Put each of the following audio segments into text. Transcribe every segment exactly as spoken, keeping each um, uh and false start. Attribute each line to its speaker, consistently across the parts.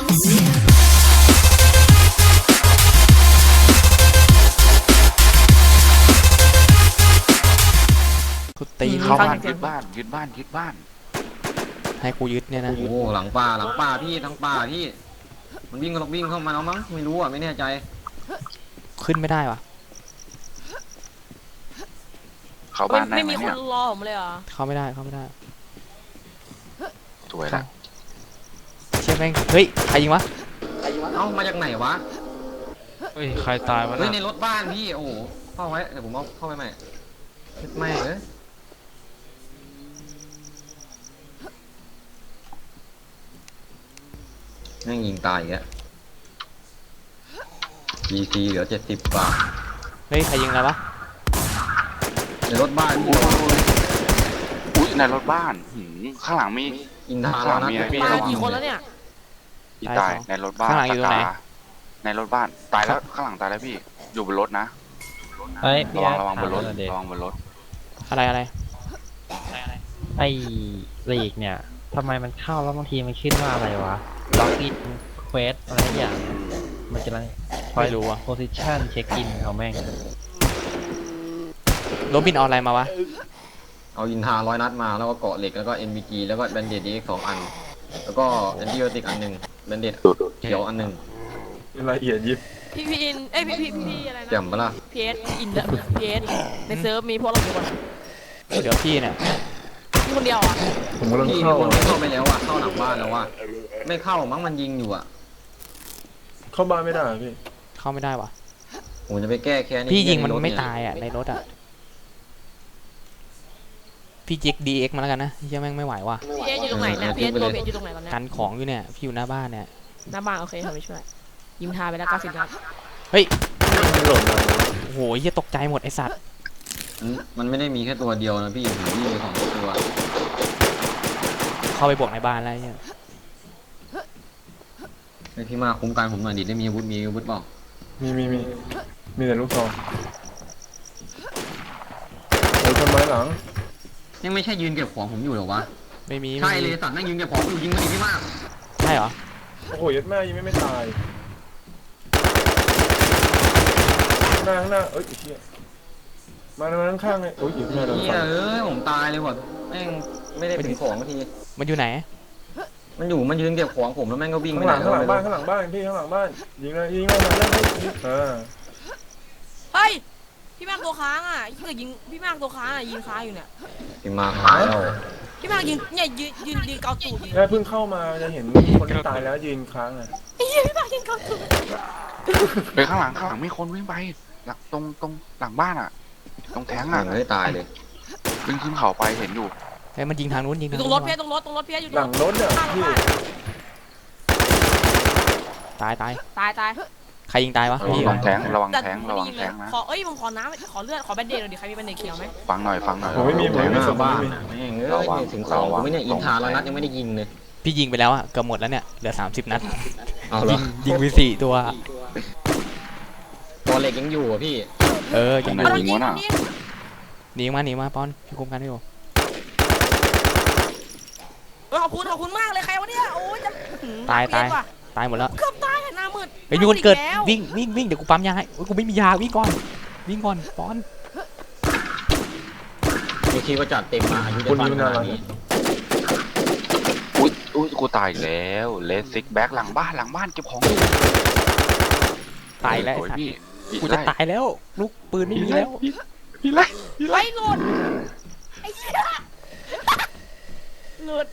Speaker 1: กูตี
Speaker 2: เข้าบ้านยึดบ้านยึดบ้านยึดบ้าน
Speaker 1: ให้กูยึดเนี่ยนะ
Speaker 3: โอ้โหหลังป่าหลังป่าพี่ทั้งป่าพี่มันวิ่งกันวิ่งเข้ามาแล้วมั้งไม่รู้อ่ะไม่แน่ใจ
Speaker 1: ขึ้นไม่ได้วะ
Speaker 2: เข้าบ้านได้ไหมเนี่ย
Speaker 4: ไม่มีคนรอผมเลยเหรอ
Speaker 1: เข้าไม่ได้เข้าไม่ได้
Speaker 2: สวยละ
Speaker 1: เชี่ยแม่งเฮ้ยใครยิงวะ
Speaker 3: เอ้ามาจากไหนวะ
Speaker 5: เฮ้ยใครตายวะ
Speaker 3: เฮ้ยในรถบ้านพี่โอ้โหเข้าไว้เดี๋ยวผมเอาเข้าไปใหม่ไม่เอ้ยนั่งยิงตายอีกแล้ว บี ซี เหลือเจ็ดสิบบาท
Speaker 1: เฮ้ยใครยิงอะไรวะ
Speaker 3: ในรถบ้านพี่
Speaker 2: อุ้ยในรถบ้านหืมข้างหลังมี
Speaker 3: อินทา
Speaker 2: ข้างหลังมีอะไรพี่
Speaker 4: ตายกี่คนแล้วเนี่ย
Speaker 2: พี่ตายในรถบ้าน
Speaker 1: ข้างหลังอยู่ตรงไหน
Speaker 2: ในรถบ้านตายแล้วข้างหลังตายแล้วพี่อยู่บนรถนะ
Speaker 5: เฮ้ย
Speaker 2: ระวังระวังบนรถระวังบนรถ
Speaker 1: อะไรอะไร
Speaker 5: ไอ้ลีกเนี่ยทำไมมันเข้าแล้วบางทีมันขึ้นว่าอะไรวะล็อกอินเควสอะไรอย่างมันจะอะไร
Speaker 1: ไม่รู้อะ
Speaker 5: โพซิชันเช็คอินเอาแม่ง
Speaker 1: โรบินเอาอะไรมาวะ
Speaker 3: เอาอินทาร้อยนัดมาแล้วก็เกาะเหล็กแล้วก็ เอ็น บี จี แล้วก็แบนเดดดีสองอันแล้วก็แอนติไบโอติกอันหนึ่งแบนเดดเขียวอันหนึ่ง
Speaker 6: ละเอียดยิบ
Speaker 4: พี่พีอินเอ้ยพี่พี่พี่อะไรนะ
Speaker 3: แจ่มปะล่ะ
Speaker 4: พีเอสอินเดอะพีเอสในเซิร์ฟมีพวกเรากี่คน
Speaker 1: เดี๋ยวพี่เนี่ย
Speaker 4: พี่คนเดียวอ่ะ
Speaker 6: ผมกำลัง
Speaker 3: พี่
Speaker 6: เข้า
Speaker 3: คนไม่เข้าไปแล้วอ่ะเข้าหลังบ้านแล้วอ่ะไม่เข้ามั้งมันยิงอยู่อ่ะ
Speaker 6: เข้าบ้านไม่ได้พี่
Speaker 1: เข้าไม่ได้วะ
Speaker 3: ผมจะไปแก้แค้น
Speaker 1: พี่ยิงมันไม่ตายอ่ะในรถอ่ะพี่จิกดีเอ็กมาแล้วกันนะเฮียแม่งไม่ไหวว่ะ
Speaker 4: พีเอสอยู่ตรงไหนเนี่ยพีเอสตัวพีเอสอยู่ตรงไหนตอนนี้
Speaker 1: กันของอยู่เนี่ยพี่อยู่หน้าบ้านเนี่ย
Speaker 4: หน้าบ้านโอเคเขาไม่ช่วยยิงทาไปแล้วเก้าสิบนัด
Speaker 1: เฮ้ยหล่นโอ้โหเฮียตกใจหมดไอสัตว์
Speaker 3: มันไม่ได้มีแค่ตัวเดียวนะพี่ผมมีสองตัว
Speaker 1: เข้าไปบวกในบ้านอะไรเนี่ย
Speaker 3: ไอพี่มาคุ้มกันผมหน่อยดิได้มีอาวุธมีอาวุธเปล่า
Speaker 6: มีมีมีมีแต่ลูกซองโอ้ยทำไมหลัง
Speaker 3: ยังไม่ใช่ยืนเก็บของผมอยู่หรอวะ
Speaker 1: ไม่มี
Speaker 3: ใช่เลยสัตว์นั่งยืนเก็บของอยู่ยิงมันดิพี่มาก
Speaker 1: ใช่เหรอ
Speaker 6: โอ้โหยัดแม่ยังไม่ไม่ตายหน้าข้างหน้าเอ้ยเชี่ยมาทางข้างเลยโอ้ยยัดแม่เรา
Speaker 3: เอ้ยผมตายเลยว่ะแม่งไม่ได้เป็นของที
Speaker 1: มันอยู่ไหน
Speaker 3: มันอยู่มันยืนเก็บของผมแล้วแม่งก็วิ่ง
Speaker 6: ข้างหลังข้างหลังบ้านข้างหลังบ้านพี่ข้างหลังบ้านยิงเลยยิงเลยมาเล่นให้เออ
Speaker 4: เฮ้ยพี่มากตัวค้างอ่ะพี่ก็ยิงพี่มากตัวค้างอ่ะยิงค้างอยู่เนี่ย
Speaker 3: พี่มากตายแล้ว
Speaker 4: พี่มากยิงเนี่ยยืนยืนยืนเกาตูด
Speaker 6: แค่เพิ่งเข้ามาจะเห็นคนที่ตายแล้วยืนค้างอ่ะ
Speaker 4: ไอ้เหี้ยพี่มากยิงเกาตูด
Speaker 2: ไปข้างหลังข้างหลังมีคนวิ่งไปหลังตรงตรงหลังบ้านอ่ะตรงแทงอ่ะ
Speaker 3: ไม่ตายเลย
Speaker 2: วิ่งขึ้นเขาไปเห็นอยู่
Speaker 1: ไอ้มันยิงทางนู้นยิง
Speaker 4: ตรงรถเพี้ยตรงรถตรงรถเพี้ยอยู่
Speaker 6: หลังรถอ่ะพี่
Speaker 1: ตายตาย
Speaker 4: ตายตาย
Speaker 1: ใครยิงตายวะ
Speaker 2: ระวังแทงระวังแทงระวังแทงนะ
Speaker 4: ขอเอ้ยผมขอน้ำขอเลือดขอแบนเดดหน่อยดิใครมีแบนเดดเขียวไหม
Speaker 2: ฟังหน่อยฟังหน่อย
Speaker 6: ผมไม่มีผมไม่มีสบ้าน
Speaker 3: แม่งเอ้ยถึงสองผมไม่เนี่ยอินทาแล้วนัดยังไม่ได้ยิงเลย
Speaker 1: พี่ยิงไปแล้วอ่ะเกือบหมดแล้วเนี่ยเหลือสามสิบนัด
Speaker 3: ยิง
Speaker 1: ยิงไปสี่ตัว
Speaker 3: ตัวเล็กยังอยู่อ่ะพี่
Speaker 1: เออ
Speaker 2: ยังไม่ยิงวะน่ะ
Speaker 1: หนีมาหนีมาปอนพี่คุมกันให้อยู่
Speaker 4: ขอบคุณขอบคุณมากเลยใครวะเนี่ยโอ้ย
Speaker 1: ตายตายตายหมดแล้ว
Speaker 4: เกือบตายหน้ามืด
Speaker 1: ไอ้มีคนเกิดวิ่งวิ่งวิ่งเดี๋ยวกูปั๊มยาให้กูไม่มียาวิ่งก่อนวิ่งก่อนปอน
Speaker 3: มีทีก็จัดเต็มมาอายุได้ปันขนาดนี้
Speaker 2: อุ้ยอุ้ยกูตายอีกแล้วเลสซิกแบ็คหลังบ้านหลังบ้านเก็บของอยู่
Speaker 1: ตายแล้ว
Speaker 2: พี่
Speaker 1: กูจะตายแล้วลูกปืนไม่มีแล้ว
Speaker 2: พี่ไล่
Speaker 4: พี่ไล่หลุดไอ้เหี้ยหลุด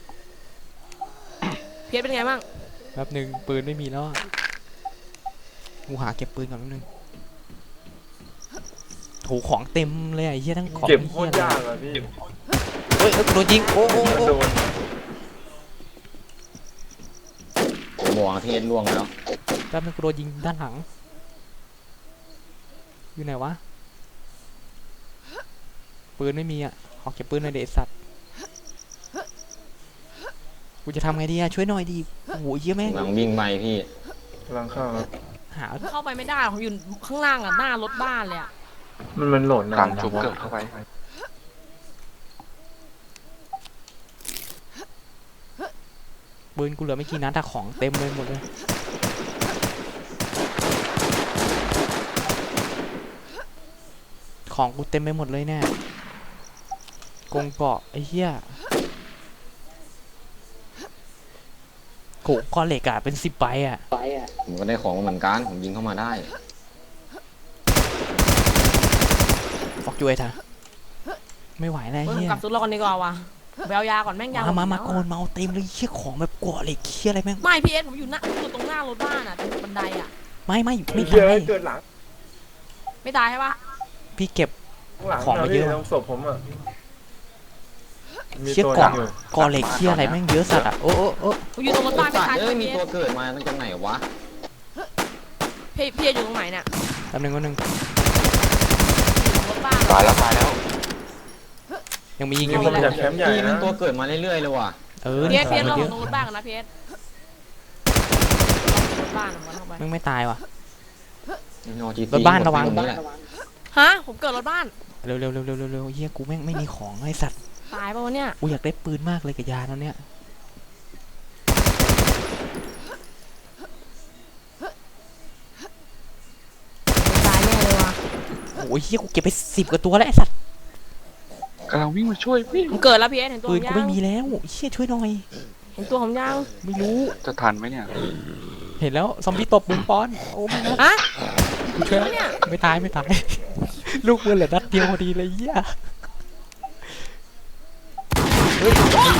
Speaker 4: เพียรเป็นไงบ้าง
Speaker 1: แป๊บหนึ่งปืนไม่มีแล้วกูหาเก็บปืนก่อนแป๊บนึงโถของเต็มเลยไอ้เหี้ยทั้งของ
Speaker 6: เก็บโคตรยากอะพี่
Speaker 1: เฮ้ยโดนยิงโอ้โห
Speaker 6: โดน
Speaker 3: หมวกเทศล่วงแล้ว
Speaker 1: แป๊บนึงกูโดนยิงด้านหลังอยู่ไหนวะปืนไม่มีอ่ะขอเก็บปืนหน่อยเด็ดสัตว์กูจะทำไงดีอะช่วยหน่อยดีโอ้โหเยอะแม่ง
Speaker 3: หลังวิ่งไปพี่
Speaker 6: หลังเข้า
Speaker 1: หา
Speaker 4: เข้าไปไม่ได้ผมอยู่ข้างล่างอะหน้ารถบ้านเลยอะ
Speaker 6: มันมันหล่น
Speaker 2: หลังชุบเกิดเข้าไป
Speaker 1: ปืนกูเหลือไม่กี่นัดแต่ของเต็มเลยหมดเลยของกูเต็มไปหมดเลยเนี่ยกงเกาะไอ้เหี้ยโกะก้อนเหล็กอะเป็นสิบใบอะ
Speaker 3: ผมก็ได้ของมาเหมือนกันผมยิงเข้ามาได้
Speaker 1: ฟอกจุ้ยท่ะไม่ไหวแล้ว
Speaker 4: เฮ้ย
Speaker 1: เหี้ย
Speaker 4: กลับสุดรอกันดีกว่าว่ะไปเอายาก่อนแม่งยา
Speaker 1: มามา
Speaker 4: หด
Speaker 1: มา
Speaker 4: แล้ว
Speaker 1: โกนมาเอาเต็มเลยเชี่ยของแบบเกาะเหล็กเชี่ยอะไรแม่ง
Speaker 4: ไม่พี่เอสผมอยู่หน้าอยู่ตรงหน้ารถบ้านอ่ะตรงบันไดอ่ะ
Speaker 1: ไม่ไม่
Speaker 6: ไอ้
Speaker 1: ไม่
Speaker 6: เหี้ย
Speaker 1: ตาย
Speaker 6: เกิดหลัง
Speaker 4: ไม่ตายใช่ปะ
Speaker 1: พี่เก็บ
Speaker 6: ข้างหลัง
Speaker 1: ของมาเยอะ
Speaker 6: พี่ตรงศพผมอ่ะมี
Speaker 1: เชี่ย
Speaker 6: ตัว
Speaker 1: เกาะ
Speaker 6: อยู่
Speaker 1: เกาะเหล็กเชี่ยอะไรแม่งเยอะสัตว์อะโอ้โอ้โอ้
Speaker 4: ผมอยู่ตรงรถบ้านไม่
Speaker 3: สัต
Speaker 4: ตาย
Speaker 3: ว์
Speaker 4: ใช่
Speaker 3: เอ้
Speaker 4: ไหม
Speaker 3: ยมี
Speaker 4: พี่เอ
Speaker 3: ตัว
Speaker 4: ส
Speaker 3: เกิดมาตั้งจากไหนวะ
Speaker 4: พี่พี่เอสอยู่ตรงไหนเนี่ย
Speaker 1: แป๊บนึงก็นึง
Speaker 4: อยู่ตรงรถบ้าน
Speaker 2: ตายแล้วตายแล้ว
Speaker 1: ยังมีอีก
Speaker 6: มี
Speaker 1: ยัง
Speaker 6: ค
Speaker 1: มี
Speaker 6: น
Speaker 1: อี
Speaker 6: มาก จากแคมป์ใหญ่
Speaker 3: พี่มั
Speaker 6: นะ
Speaker 3: นตัวเกิดมาเรื่อยๆเลยว่ะ
Speaker 1: เออ
Speaker 4: พี่เอ
Speaker 1: นี่
Speaker 4: ส
Speaker 1: ข
Speaker 4: พี่
Speaker 1: อ
Speaker 4: เอส
Speaker 1: ง
Speaker 4: เรา
Speaker 1: มันเยอะ
Speaker 4: ตรงรถบ้านกันนะพี่เอสรถบ้านผมเข้าไป
Speaker 1: แม่งไม่ตายว่ะ
Speaker 3: จี
Speaker 1: รถบ้านระวัง
Speaker 3: ตนี้แหละ
Speaker 4: ฮะผมเกิดรถบ้าน
Speaker 1: เร็วเร็วเร็วเร็วเร็วเร็วเฮียกูแม่งไม่มีของไอ้สัตว์
Speaker 4: ตายป่าวะเนี่ย
Speaker 1: กูอยากได้ปืนมากเลยกับยาแล้วเนี่ย
Speaker 4: ตายแน่เลยว่ะ
Speaker 1: โอ้ยเฮียกูเก็บไปสิบกว่าตัวแล้วไอ้สัตว์
Speaker 2: กำลังวิ่งมาช่วยพี่
Speaker 4: ผมเกิดแล้วพี่เอสเห็นตัว
Speaker 1: ปื
Speaker 4: ผ
Speaker 1: น
Speaker 4: ม
Speaker 1: กู
Speaker 4: ยัง
Speaker 1: ไม่มีแล้วเฮียช่วยหน่อย
Speaker 4: เห็นตัวผมยัง
Speaker 1: ไม่รู้
Speaker 2: จะทันไหมเนี่ย
Speaker 1: เห็นแล้วซอมบี้ตบปืนป้อนโอ้ไม่นะ
Speaker 4: ฮะ
Speaker 1: กูช่วยแล้ว
Speaker 4: เนี่ย
Speaker 1: ไม่ตายไม่ตาย ลูกปืนเหลือนัดเดียวพอดีเลยเฮียเฮ้ย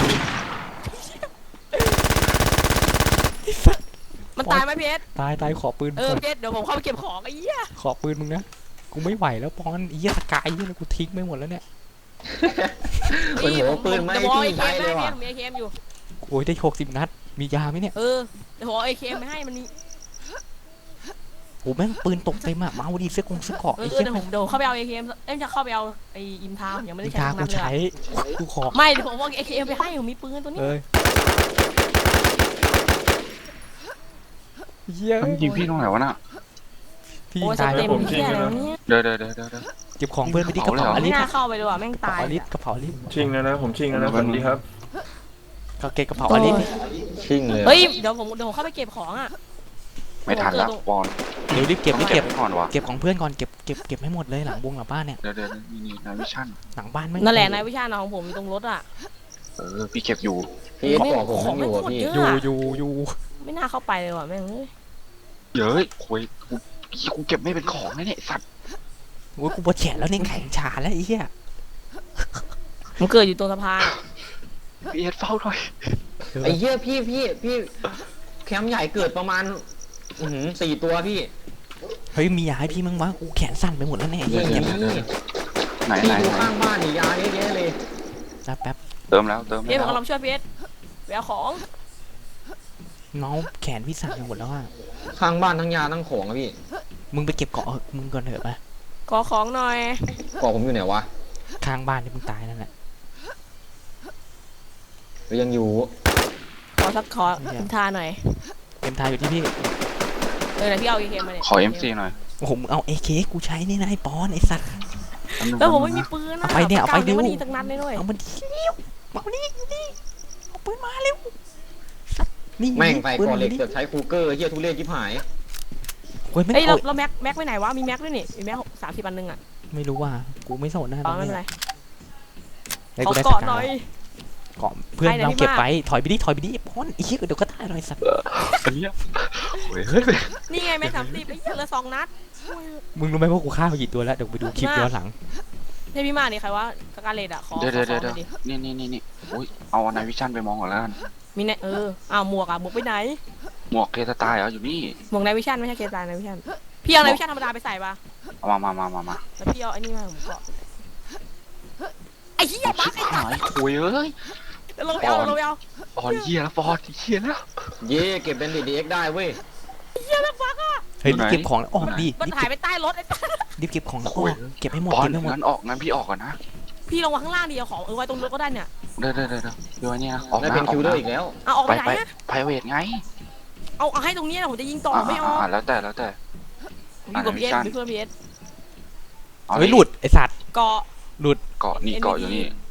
Speaker 4: มันตายไหมพี่เอส
Speaker 1: ตายตายขอปืน
Speaker 4: เออพี่เอสเดี๋ยวผมเข้าไปเก็บของไอ้เหี้ย
Speaker 1: ขอปืนมึงนะกูไม่ไหวแล้วปอนไอ้เหี้ยสกายเหี้ยกูทิ้งไปหมดแล้วเนี่ย
Speaker 3: เป็นหัวปืนไม่
Speaker 4: เดี๋ยวผมเอา
Speaker 3: พี่
Speaker 4: เอเค
Speaker 3: ใช้
Speaker 4: ม
Speaker 3: เลย
Speaker 4: ให้
Speaker 3: ว่ะ
Speaker 4: พี่เอสผมมีเอเคมอยู่
Speaker 1: โอ้ยได้หกสิบนัดมียาไหมเนี่ย
Speaker 4: เออเดี๋ยวผมเอาเอเคมไปให้มันมี
Speaker 1: โอ้แม่งปืนตกเต็มอะเมาดิเสื้อกงเสื้อเกราะ
Speaker 4: เอ
Speaker 1: ไอ้
Speaker 4: อ
Speaker 1: เหี้ย
Speaker 4: เดี๋ยวผมเดี๋ยวเข้าไปเอาเอเคมเอ้ยจะเข้าไปเอาไอ้อิมทาวยังไม่ได้
Speaker 1: มี
Speaker 4: ใช้
Speaker 1: ทา
Speaker 4: ทั้ง
Speaker 1: กู
Speaker 4: นั้นเลย
Speaker 1: ใช้
Speaker 4: อะ
Speaker 1: กูขอ
Speaker 4: ไม่เดี๋ยวผมเอาเอเคมไปให้ผมมีปืนตัวนี้
Speaker 1: เอ้ยเหี้ย
Speaker 2: มันยิงพี่ตรงไหนวะน่ะ
Speaker 1: พี่
Speaker 4: โอ้ยส
Speaker 1: ตาย
Speaker 4: เต็
Speaker 1: แล้ว
Speaker 4: มเหี้ยอะไรวะเนี่ย
Speaker 2: เดี๋ยวเดี๋ยวเดี๋ยวเดี๋ยวเดี๋ยว
Speaker 1: เก็บของเพื่อนไปที่กระเป๋าอ
Speaker 4: ไม่
Speaker 1: ลิส
Speaker 4: น่าเข้าไปเลยว่ะแม่ง
Speaker 1: กระ
Speaker 4: ตาย
Speaker 1: เป๋าอลิ
Speaker 4: เลย
Speaker 1: ส
Speaker 4: อะ
Speaker 1: กระเป๋าอลิส
Speaker 6: ชิงแล้วนะผมชิงแล้วนะสวัสดีครับ
Speaker 1: ก็เก็บกระเป๋าอลิส
Speaker 3: ชิ่งเลย
Speaker 4: เฮ้ยเดี๋ยวผมเดี๋ยวผมเข้าไปเก็บของอ่ะ
Speaker 2: ไม่ทันแล้วบอล
Speaker 1: เดี๋ยวรีบเก็บรีบเก็บ
Speaker 2: ไปก่อนวะ
Speaker 1: เก็บของเพื่อนก่อนเก็บเก็บเก็บให้หมดเลยหลังวงหลังบ้านเนี่ย
Speaker 2: เดี๋ยวเดี๋ยวนี่นี่นายวิชั่น
Speaker 1: หลังบ้านไม่
Speaker 4: นั่นแหละนายวิชาญของผมอยู่ตรงรถอ่ะ
Speaker 2: เออพี่เก็บอยู่
Speaker 3: พี่บอกผมมันอยู่อ่ะพี่
Speaker 1: อยู่อยู่อยู่
Speaker 4: ไม่น่าเข้าไปเลยว่ะแม่งเอ้ย
Speaker 2: เย้ยโอ้ยกูกูเก็บไม่เป็นของนะเนี่ยไอ้สัตว์
Speaker 1: โอ้ยกูปวดแขนแล้วเนี่ยแข็งชาแล้วไอ้เหี้ย
Speaker 4: ผมเกิดอยู่ตรงสะพานอะ
Speaker 2: พี่เอ็ดเฝ้าหน่อย
Speaker 3: ไอ้เหี้ยพี่พี่พี่แคมป์ใหญ่เกิดประมาณอื้อหือสี่ตัวพี่
Speaker 1: เฮ้ยมียาให้พี่มั้งวะกูแขนสั่นไปหมดแล้วเนี่ยไอ้
Speaker 3: นี่
Speaker 1: เหี้ย
Speaker 3: นี่
Speaker 1: เงียบ
Speaker 2: ไหน
Speaker 3: พี่
Speaker 2: ไหน
Speaker 3: อยู่
Speaker 2: ไหน
Speaker 3: ข้างบ้านนี่ยาเยอะแยะเลย
Speaker 1: แป๊บแป๊บ
Speaker 2: เติมแล้วเติม
Speaker 4: พี่เอสผม
Speaker 2: แล้ว
Speaker 4: กำลังช่วยพี่เอสไปเอาของ
Speaker 1: น้องแขนพี่สั่นไปหมดแล้วอะ
Speaker 3: ข้างบ้านทั้งยาทั้งของอะพี่
Speaker 1: มึงไปเก็บเกาะเออมึงก่อนเถอะไป
Speaker 4: ขอของหน่อย
Speaker 3: กรอกผมอยู่ไหนวะ
Speaker 1: ข้างบ้านที่มึงตายนั่นแหละ
Speaker 3: หรือยังอยู่
Speaker 4: ขอสักขออิมทาหน่อย
Speaker 1: เต็มทายอยู่ที่พี่
Speaker 4: เออเดี๋ยวพี่เอาเอเคมาเนี่ย
Speaker 2: ขอเอ็มซีหน่อย
Speaker 1: โอ้โหมึงเอาเอเคกูใช้นี่นะไอ้ปอนไอ้สัตว์
Speaker 4: แล้วผมไม่มีปืนอะ
Speaker 1: เอาไปเนี่ยเอาไปดิ
Speaker 4: ไม่ดีตั้งนัดเลยด้วย
Speaker 1: เอามันเร็วเอานี่นี่เอาปืนมาเร็วสัตว์นี่
Speaker 3: แม่งใส่
Speaker 1: ปืน
Speaker 3: กอเหล็ก
Speaker 1: นี่
Speaker 3: เกือบใช้คูเกอร์เหี้ยทุเรศชิบหาย
Speaker 1: โอ้ยไม่
Speaker 4: เฮ้ยเรา
Speaker 1: เอา
Speaker 4: เราแม็กแม็กไปไหนวะมีแม็กด้วยนี่มีแม็กสามสิบอันหนึ่งอะ
Speaker 1: ไม่รู้ว่ากูไม่สนนะ
Speaker 4: ตอนไม่เป็นไร
Speaker 1: ได้
Speaker 4: ขอ
Speaker 1: กูได้ส
Speaker 4: เกาะ
Speaker 1: กา
Speaker 4: หน่อย
Speaker 1: เกาะเพื่อน
Speaker 4: ให้หน่อย
Speaker 1: เราเก็บ
Speaker 4: พี่มาก
Speaker 1: ไปถอยไปดิถอยไปดิไอ้ปอนไอ้เหี้ยเดี๋ยวก็ตายเลยสัตว์
Speaker 2: อันเนี้ยโอ้ยเฮ้ย
Speaker 4: นี่ไงแม็กสามสิบไอ้เหี้ยเหลือสองนัด
Speaker 1: มึงรู้ไหมว่ากูฆ่าไปกี่ตัวแล้วเดี๋ยวไปดูคลิปย้อนหลัง
Speaker 4: เนี่ยพี่มาดิใครว่าสกาเลตอะขอ
Speaker 2: เดี๋ยว
Speaker 4: ข
Speaker 2: เดี๋
Speaker 4: อ
Speaker 2: ยว
Speaker 4: ข
Speaker 2: เดี๋
Speaker 4: อ
Speaker 2: ยว
Speaker 4: หน่อยดิ
Speaker 2: นี่นี่นี่นี่โอ้ยเอานายวิชั่นไปมองก่อนแล้วกัน
Speaker 4: มีเนี่ยเอออ้าวหมวกอะหมวกไปไหน
Speaker 2: หมวกเคสตายเหรออยู่นี่
Speaker 4: หมวกนายวิชันไม่ใช่เคสายนายวิชันพี่เอานายวิชันธรรมดาไปใส่ปะ
Speaker 2: เอามามามามามา
Speaker 4: แล้วพี่เอาไอ้นี่มาผมเกาะไอ้เหี้ยบั๊ก
Speaker 2: ชิบหายโอ้ยเอ้ย
Speaker 4: เดี๋ยวลงไปเอาลงไปเอา
Speaker 2: บอลเหี้ยแล้วบอลเหี้ยแล้ว
Speaker 3: เย่เก็บเป็นดีเอ็กได้เว้ย
Speaker 4: เหี้ยแล้วบั๊กอะ
Speaker 1: เฮ้ย
Speaker 2: อยู่
Speaker 1: รีบ
Speaker 2: ไหน
Speaker 1: เก็บของแล้วออกดิ
Speaker 4: มัน
Speaker 1: รีบ
Speaker 4: หาย
Speaker 1: เก็บ
Speaker 4: ไปใต้รถไอ้สัส
Speaker 1: รีบเก็บของแล้วอ
Speaker 2: โอ้
Speaker 1: อย กเก็บให้หมด
Speaker 2: บอล
Speaker 1: เก็บให้หมด
Speaker 2: งั้นออกงั้นพี่ออกก่อนนะ
Speaker 4: พี่ลงมาข้างล่างดิเอาของเออไว้ตรงรถก็ได้เนี่ย
Speaker 2: เดี๋ยวเดี๋ยวเดี๋ยวเดี๋ยวเดี๋ยวอันนี้นะออก
Speaker 3: ได้
Speaker 2: นะ
Speaker 3: เป็น
Speaker 2: ออ
Speaker 3: คิ
Speaker 2: ก
Speaker 3: วเลอ
Speaker 2: นะ
Speaker 3: ร์อีกแล้ว
Speaker 4: เอาออก
Speaker 2: ไป
Speaker 4: ไปไหน
Speaker 2: ไป
Speaker 4: อะ
Speaker 2: ไพรเวทไง
Speaker 4: เอาเอาให้ตรงนี้นะผมจะยิงต่อ
Speaker 2: อ่า
Speaker 4: ไม่อ
Speaker 2: อ่า
Speaker 4: อก
Speaker 2: อ่าแล้วแต่แล้วแต่
Speaker 4: ผมอยู่กับพีเอส
Speaker 2: อ่า
Speaker 4: เป็นเพื่อนพีเอส
Speaker 2: อา
Speaker 1: เฮ้ยหลุดไอสัตว์
Speaker 4: เกาะ
Speaker 2: เกาะนี่เกาะอยู่นี่
Speaker 4: เ